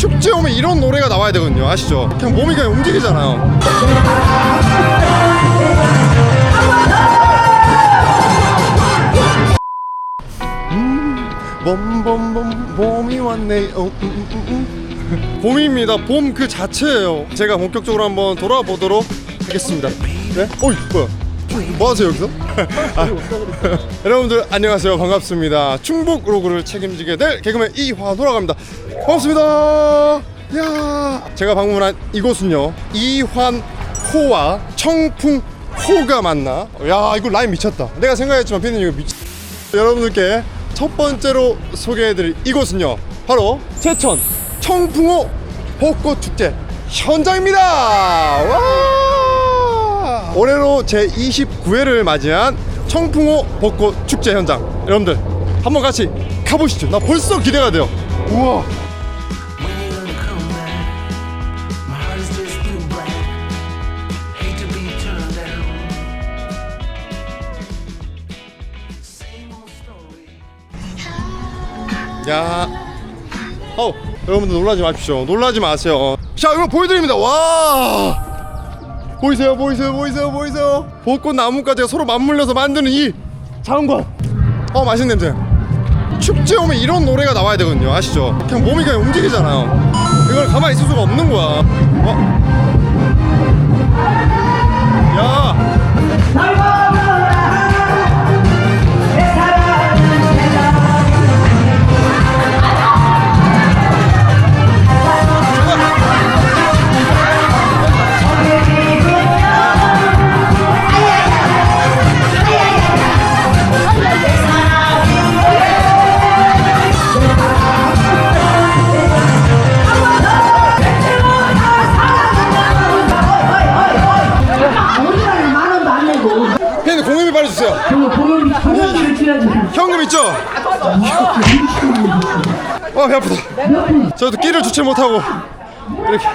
축제 오면 이런 노래가 나와야 되거든요. 아시죠? 그냥 몸이 그냥 움직이잖아요. 봄봄봄 봄이 왔네. 봄입니다. 봄 그 자체예요. 제가 본격적으로 한번 돌아보도록 하겠습니다. 네? 어이 뭐야? 뭐 하세요 여기서? 여러분들 안녕하세요. 반갑습니다. 충북 로그를 책임지게 될 개그맨 이환호라고 합니다. 반갑습니다. 야, 제가 방문한 이곳은요, 이환호와 청풍호가 맞나? 야, 이거 라인 미쳤다. 내가 생각했지만 피디님 이거 여러분들께 첫 번째로 소개해드릴 이곳은요, 바로 제천 청풍호 벚꽃축제 현장입니다. 와! 올해로 제29회를 맞이한 청풍호 벚꽃축제 현장, 여러분들 한번 같이 가보시죠. 나 벌써 기대가 돼요. 우와. 야, 여러분들 놀라지 마십시오. 놀라지 마세요. 자, 이거 보여드립니다. 와, 보이세요? 벚꽃 나무까지가 서로 맞물려서 만드는 이 장관. 맛있는 냄새. 축제 오면 이런 노래가 나와야 되거든요. 아시죠? 그냥 몸이 그냥 움직이잖아요. 이걸 가만히 있을 수가 없는 거야. 야, 공연비 빨리 주세요. 현금 있죠? 배 아프다. 저도 끼를 주체 못하고 이렇게.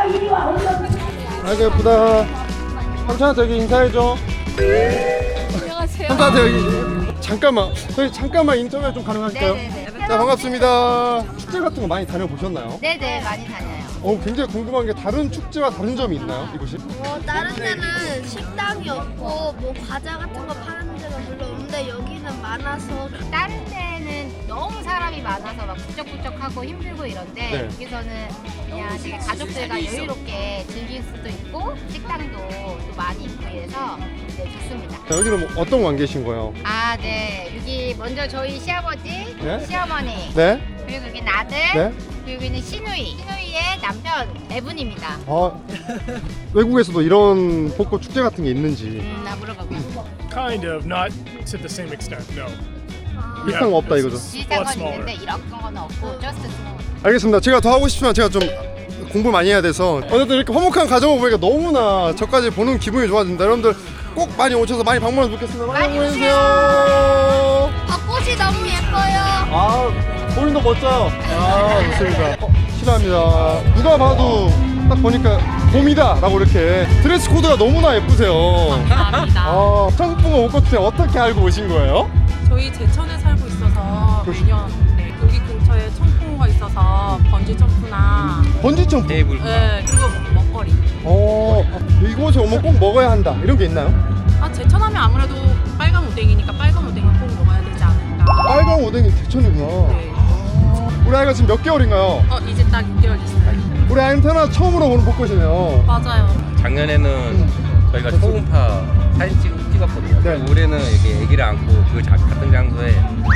아이고 예쁘다. 삼촌한테 여기 인사해줘. 안녕하세요. 삼촌한테 여기 잠깐만, 저희 잠깐만 인터뷰 좀 가능하실까요? 네네네. 자, 반갑습니다. 축제 같은 거 많이 다녀보셨나요? 네네, 많이 다녀요. 굉장히 궁금한 게, 다른 축제와 다른 점이 있나요, 이곳이? 다른 데는 식당이 없고 뭐 과자 같은 거 파는 데가 별로 없는데 여기는 많아서. 다른 데는 너무 사람이 많아서 막 북적북적하고 힘들고 이런데 네. 여기서는 그냥 되게 가족들과 여유롭게 즐길 수도 있고 식당도 또 많이 있고 해서 네, 좋습니다. 자, 여기는 뭐 어떤 관계신 거예요? 아, 네. 여기 먼저 저희 시아버지, 네? 시어머니, 네? 그리고 여기는 아들, 네? 그리고 여기는 시누이의 남편 네 분입니다. 외국에서도 이런 벚꽃 축제 같은 게 있는지. 나 물어봐봐. Kind of, not to the same extent, no. 비슷한 거 없다 이거죠? 비슷한 건 smaller. 있는데 이런 건 없고 just small. 알겠습니다. 제가 더 하고 싶지만 제가 좀 공부 많이 해야 돼서, 어쨌든 이렇게 화목한 가정을 보니까 너무나 저까지 보는 기분이 좋아집니다. 여러분들 꼭 많이 오셔서 많이 방문해 뵙겠습니다. 많이 오세요. 벚꽃이 너무 예뻐요. 볼도 멋져요. 좋습니다. 실례합니다. 누가 봐도 딱 보니까 봄이다 라고 이렇게 드레스 코드가 너무나 예쁘세요. 감사합니다. 청풍호 벚꽃 어떻게 알고 오신 거예요? 저희 제천에 살고 있어서 그러시구나. 매년 여기 근처에 청풍호가 있어서 번지 점프나 번지 점프. 그리고 먹거리. 이곳에 오면 꼭 먹어야 한다 이런 게 있나요? 제천하면 아무래도 빨간 오뎅이니까 빨간 오뎅을 꼭 먹어야 되지 않을까. 빨간 오뎅이 대천이구나. 네. 우리 아이가 지금 몇 개월인가요? 이제 딱 6개월 됐어요. 우리 아이는 태어나 처음으로 보는 벚꽃이네요. 맞아요. 작년에는 저희가 초음파 사진 찍었거든요. 네. 올해는 이렇게 아기를 안고 그 같은 장소에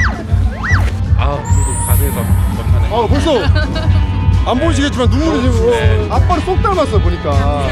그래도 가슴이 벅차네. 벌써 안 보이시겠지만 눈물이 지금. 네. 아빠를 쏙 닮았어요 보니까.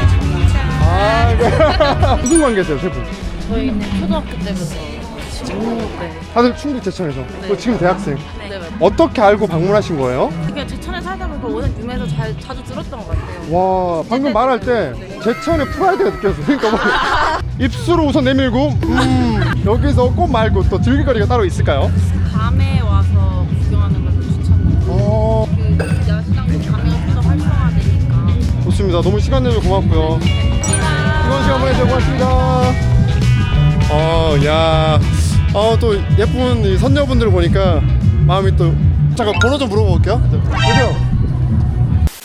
네. 무슨 관계세요 세 분? 저희는 초등학교 때부터 다들 충북 제천에서. 또 지금 대학생. 네. 어떻게 알고 방문하신 거예요? 그냥 제천에 살다 보니까 워낙 유명해서 자주 들었던 것 같아요. 와, 방금 말할 때 제천의 프라이드가 느껴졌어요. 그러니까 뭐 입술을 우선 내밀고 여기서 꽃 말고 또 즐길 거리가 따로 있을까요? 밤에 와서 구경하는 걸 추천해요. 그 야시장도 가면 좀 더 활성화되니까. 좋습니다. 너무 시간 내줘서 고맙고요. 이번 시간 보내주셔서 고맙습니다. 또 예쁜 이 선녀분들을 보니까 마음이 또. 잠깐 번호 좀 물어볼게요. 여기요.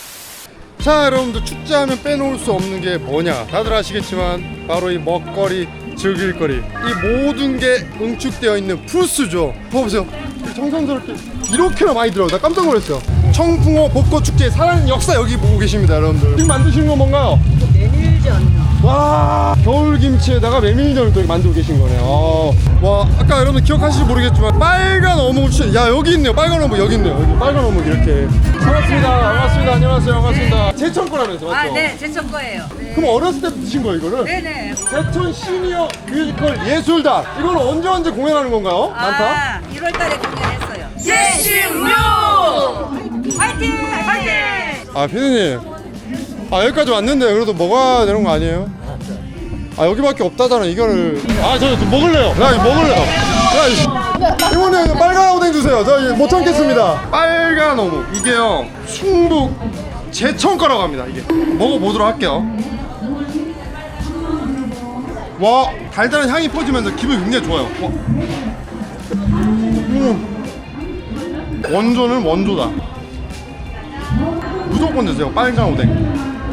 자, 여러분들 축제하면 빼놓을 수 없는 게 뭐냐? 다들 아시겠지만 바로 이 먹거리, 즐길거리, 이 모든 게 응축되어 있는 부스죠. 봐보세요. 정성스럽게 이렇게나 많이 들어요. 나 깜짝 놀랐어요. 청풍호 벚꽃 축제의 살아있는 역사 여기 보고 계십니다, 여러분들. 지금 만드시는 건 뭔가요? 메밀전이요. 와, 겨울김치에다가 메밀전을 또 만들고 계신 거네요. 와, 아까 여러분 기억하실지 모르겠지만 빨간 어묵 추천. 야, 여기 있네요. 빨간 어묵 여기 있네요. 여기 빨간 어묵 이렇게. 반갑습니다. 반갑습니다. 안녕하세요. 반갑습니다. 제천 거라면서 맞죠? 아, 네, 제천 거예요. 네. 그럼 어렸을 때 드신 거예요, 이거를? 네네. 제천 시니어 뮤지컬 예술단. 이거는 언제 공연하는 건가요? 많다. 아, 1월 달에 공연했어요. 제신묘! 화이팅! 화이팅! 아, 피디님. 아, 여기까지 왔는데 그래도 먹어야 되는 거 아니에요? 아, 여기밖에 없다잖아, 이거를. 아, 저 먹을래요. 야, 이거 먹을래요. 야, 이번에 빨간 오뎅 주세요. 저 이거 못 참겠습니다. 빨간 어묵. 이게요, 충북 제천 거라고 합니다. 이게. 먹어보도록 할게요. 와, 달달한 향이 퍼지면서 기분이 굉장히 좋아요. 와. 원조는 원조다. 무조건 드세요. 빨간 오뎅.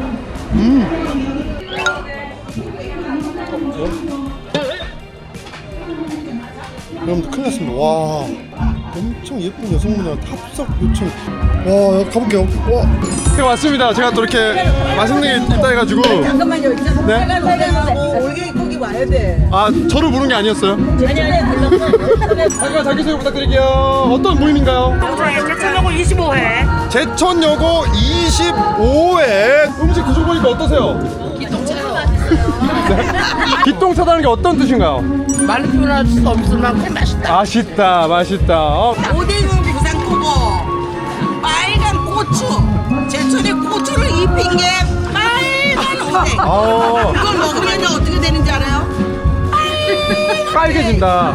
여러분들 큰일 났습니다. 와, 엄청 예쁜 여성분들한테 합석 요청. 와, 가볼게요. 와, 네, 왔습니다. 제가 또 이렇게 맛있는 게 있다 해가지고. 잠깐만요. 네? 빨간 오뎅하고 올갱이 고기 와야 돼. 아, 저를 부른 게 아니었어요? 아니. 잠깐 자기소개 부탁드릴게요. 어떤 모임인가요? 제천여고 25회. 제천여고 25회. 음식 드셔보니까 어떠세요? 기똥차다는 게 어떤 뜻인가요? 말로 표현할 수 없을 만큼 맛있다. 맛있다, 맛있다. 오뎅은 부산고고 빨간 고추. 제천에 고추를 입힌 게 빨간 오뎅. 아, 그걸 먹으면 어떻게 되는지 알아요? 빨개진다.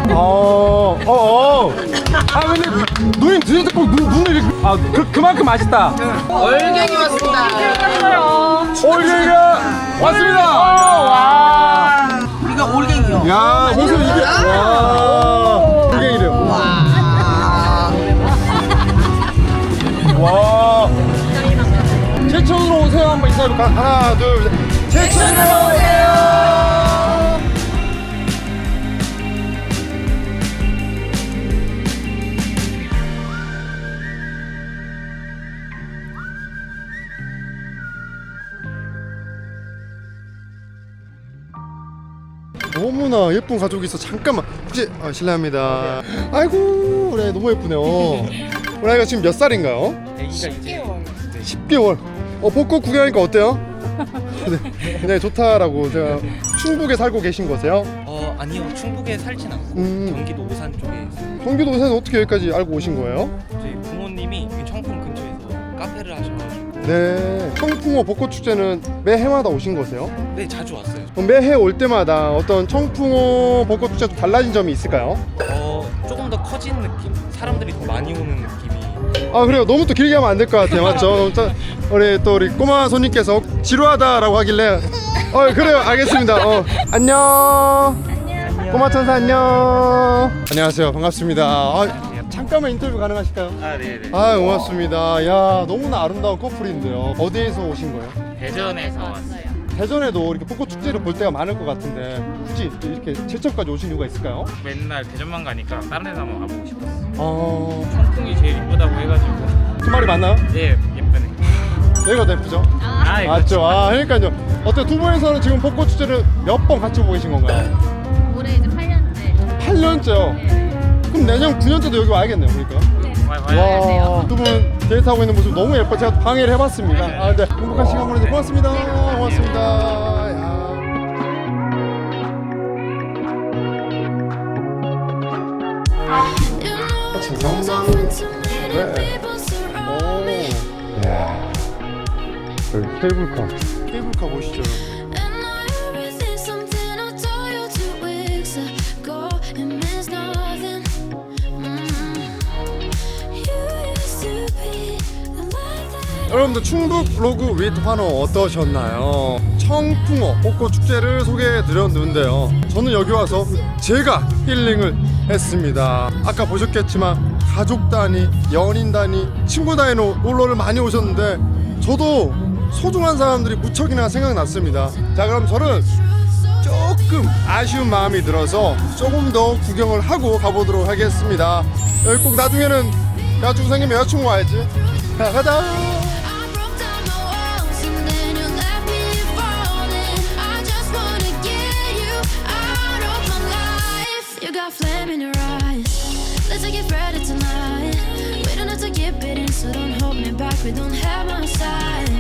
아, 근데 누님 드실 때 꼭 눈을 이렇게. 아, 그만큼 맛있다. 월경이 왔습니다. 올갱이가 왔습니다. 와. 이거 올갱이요. 야, 무슨 이게. 와. 올갱이래요. 와. 제천으로 오세요. 한번 인사해볼까? 하나, 둘, 셋. 제천으로 오세요. 너무나 예쁜 가족이 있어. 잠깐만. 혹시 실례합니다. 아이고, 우리 너무 예쁘네요. 우리 아이가 지금 몇 살인가요? 애기가 이제 10개월. 벚꽃 구경하니까 어때요? 네, 굉장히 좋다라고. 제가 충북에 살고 계신 거세요? 아니요, 충북에 살진 않고 경기도 오산 쪽에 있어요. 경기도 오산에서 어떻게 여기까지 알고 오신 거예요? 저희 부모님이 여기 청풍 근처에서 카페를 하셔가지고. 네. 청풍호 벚꽃 축제는 매해마다 오신 거세요? 네, 자주 왔어요. 그럼 매해 올 때마다 어떤 청풍호 벚꽃 축제가 좀 달라진 점이 있을까요? 조금 더 커진 느낌? 사람들이 더 많이 오는 느낌이. 아, 그래요. 너무 또 길게 하면 안 될 것 같아요. 맞죠? 우리 꼬마 손님께서 지루하다라고 하길래 그래요. 알겠습니다. 안녕. 꼬마 천사 안녕. 안녕하세요. 반갑습니다. 잠깐만 인터뷰 가능하실까요? 아, 네네. 아, 고맙습니다. 야, 너무나 아름다운 커플인데요. 어디에서 오신 거예요? 대전에서 왔어요. 대전에도 이렇게 벚꽃 축제를 볼 때가 많을 것 같은데 굳이 이렇게 제천까지 오신 이유가 있을까요? 맨날 대전만 가니까 다른 데도 한번 가보고 싶었어요. 청풍이 청풍이 제일 이쁘다고 해가지고. 그 말이 맞나요? 예, 예쁘네. 여기가 더 예쁘죠? 아, 맞죠? 아, 그러니까요. 어때, 두 분에서는 지금 벚꽃 축제를 몇 번 같이 보고 계신 건가요? 올해 이제 8년째. 8년째요? 그럼 내년 9년째도 여기 와야겠네요, 그러니까. 와, 두 분 데이트하고 있는 모습 너무 예뻐. 제가 방해를 해봤습니다. 아, 네. 행복한 시간 보내주셔서 고맙습니다. 고맙습니다. 야. 여기 케이블카 보시죠. 여러분들 충북 로그 윗 환호 어떠셨나요? 청풍호 벚꽃 축제를 소개해 드렸는데요. 저는 여기 와서 제가 힐링을 했습니다. 아까 보셨겠지만 가족 단위, 연인 단위, 친구 단위로 놀러를 많이 오셨는데 저도 소중한 사람들이 무척이나 생각났습니다. 자, 그럼 저는 조금 아쉬운 마음이 들어서 조금 더 구경을 하고 가보도록 하겠습니다. 여기 꼭 나중에는 여자친구 생기면 여자친구 와야지. 자, 가자. Flame in your eyes. Let's get ready tonight. We don't have to get bitten, so don't hold me back. We don't have my side.